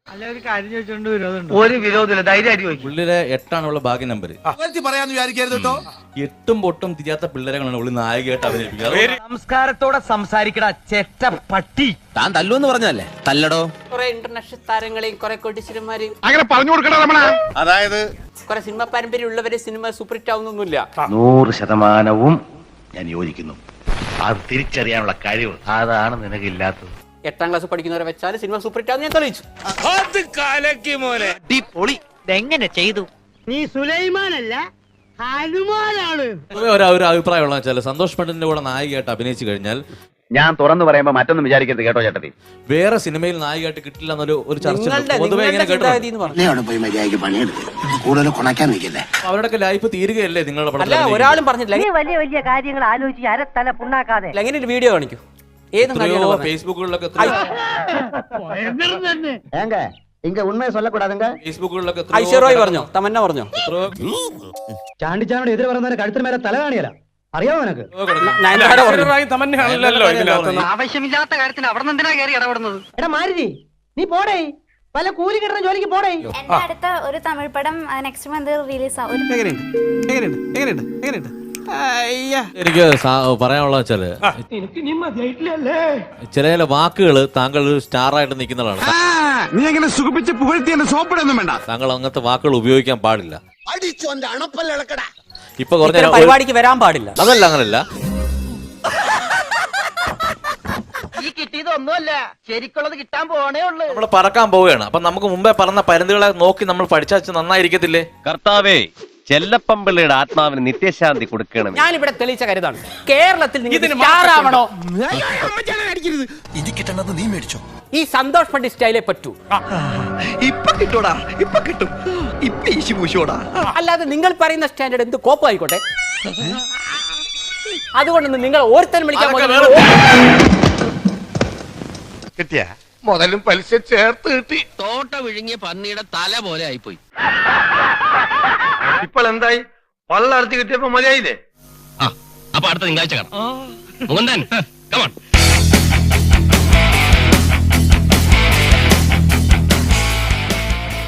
അല്ല ഒരു കാര്യം ചോദിച്ചോണ്ട് വിരോധമുണ്ട്. ഒരു വിരോധമില്ല, ധൈര്യമായിട്ട് ചോദിക്കും. പുള്ളിയുടെ 8 ഉള്ള ഭാഗ്യ നമ്പർ. പറയാന്ന് വിചാരിക്കരുത് കേട്ടോ. 8ഉം പൊട്ടും തിരിയാത്ത പിള്ളേരെയാണ് പുള്ളി നായികയായിട്ട് അഭിനയിപ്പിക്കുന്നത്. സംസ്കാരത്തോടെ സംസാരിക്കടാ ചെറ്റ പട്ടി. താൻ തല്ലുവെന്ന് പറഞ്ഞല്ലേ? തല്ലടോ. കുറെ ഇന്റർനാഷണൽ താരങ്ങളെയും കുറെ കോടീശ്വരന്മാരെയും അങ്ങനെ പറഞ്ഞു കൊടുക്കണ രമണ. അതായത് കുറെ സിനിമ പാരമ്പര്യം ഉള്ളവരെ സിനിമ സൂപ്പർ ഹിറ്റ് ആവുന്നൊന്നുമില്ല. 100% ഞാൻ യോജിക്കുന്നു. അത് തിരിച്ചറിയാനുള്ള കഴിവ് അതാണ് നിനക്കില്ലാത്തത്. 8ാം ക്ലാസ് പഠിക്കുന്നവരെ വെച്ചാൽ സിനിമ സൂപ്പർ ഹിറ്റ് ആവുന്ന ഞാൻ തെളിയിച്ചു. എങ്ങനെ ചെയ്തു? നീ സുലൈമാനല്ല ഹനുമാനാണ്. ഒരു അഭിപ്രായമുള്ള വെച്ചാൽ സന്തോഷ് പണ്ഡിറ്റിന്റെ കൂടെ നായികയായിട്ട് അഭിനയിച്ചു കഴിഞ്ഞാൽ ഞാൻ തുറന്നു പറയുമ്പോ മറ്റൊന്നും വിചാരിക്കരുത് കേട്ടോ ചേട്ടത്തി. വേറെ സിനിമയിൽ നായികയായിട്ട് കിട്ടില്ല എന്നൊരു ചർച്ച പൊതുവെ ഇങ്ങനെ കേട്ടോ. അവരുടെയൊക്കെ ലൈഫ് തീരുകയല്ലേ നിങ്ങളുടെ അല്ല പടത്തിൽ? ഒരാളും പറഞ്ഞില്ല. വലിയ വലിയ കാര്യങ്ങൾ ആലോചിച്ച് അരത്തല പുണ്ണാക്കാതെ എങ്ങനെ ഒരു വീഡിയോ കാണിക്കൂ? ഏത് എത്രയോ ഫേസ്ബുക്കുകളിലൊക്കെ ഫേസ്ബുക്കുകളിലൊക്കെ ഐശ്വര്യ പറഞ്ഞോ, തമന്ന പറഞ്ഞോ? ചാണ്ടിച്ചാനോട് എതിരെ പറയുന്നവരെ കഴുത്തിന് മേലെ തല കാണിയല്ല. അറിയാമോ നിനക്ക്? നയൻതാര പറഞ്ഞു. ആവശ്യമില്ലാത്ത കാര്യത്തിന് അവിടെ നിന്ന് എന്തിനാ കയറി ഇടപെടുന്നത്? എടാ മാരുതി നീ പോടേ, പല കൂലി കിട്ടുന്ന ജോലിക്ക് പോടേ. എന്റെ അടുത്ത ഒരു തമിഴ് പടം നെക്സ്റ്റ് മന്ത് റിലീസ് ആവും. എനിക്ക് പറയാനുള്ള വെച്ചാല് ചില വാക്കുകൾ താങ്കൾ ഒരു സ്റ്റാറായിട്ട് നിൽക്കുന്നതാണ്. നീ എങ്ങനെ സുഖിപ്പിച്ച് പുകഴ്ത്തി എന്നെ സോപ്പിടൊന്നും വേണ്ട. താങ്കൾ അങ്ങനത്തെ വാക്കുകൾ ഉപയോഗിക്കാൻ പാടില്ല. ഇപ്പൊ ഇത്തരം കുറഞ്ഞ പരിപാടിക്ക് വരാൻ പാടില്ല. അതല്ല, അങ്ങനല്ല. ഈ കിട്ടിയതൊന്നുമല്ല, ശരിക്കുള്ളത് കിട്ടാൻ പോണേ ഉള്ളു. നമ്മൾ പറക്കാൻ പോവുകയാണ്. അപ്പൊ നമുക്ക് മുമ്പേ പറഞ്ഞ പരിധികളെ നോക്കി നമ്മൾ പഠിച്ചാൽ നന്നായിരിക്കത്തില്ലേ? കർത്താവേ, ചെല്ലപ്പമ്പിള്ളയുടെ ആത്മാവിന് നിത്യശാന്തി കൊടുക്കണം. ഞാൻ ഇവിടെ തെളിയിച്ച കരുതാണ് കേരളത്തിൽ നിങ്ങൾക്ക് സ്റ്റാർ ആവണോ? ഇനി കിട്ടണത് നീ മേടിച്ചോ. ഈ സന്തോഷ് പണ്ഡിറ്റ് സ്റ്റൈലേ പറ്റൂ. ഇപ്പൊ കിട്ടൂടാ, ഇപ്പൊ കിട്ടും. ഇപ്പൊ ഈശി പൂശോടാ. അല്ലാതെ നിങ്ങൾ പറയുന്ന സ്റ്റാൻഡേർഡ് എന്ത് കോപ്പായിക്കോട്ടെ. അതുകൊണ്ടൊന്നും നിങ്ങൾ ഓരോരുത്തരും വിളിക്കാൻ കിട്ടിയ മുതലും പലിശ ചേർത്ത് കിട്ടി. തോട്ട വിഴുങ്ങിയ പന്നിയുടെ തല പോലെ ആയിപ്പോയി. ഇപ്പോൾ എന്തായി? പള്ളർത്തി കിട്ടിയപ്പോ മതിയായില്ലേ? അപ്പൊ അടുത്ത തിങ്കളാഴ്ച കാണാം. Mukundan, come on.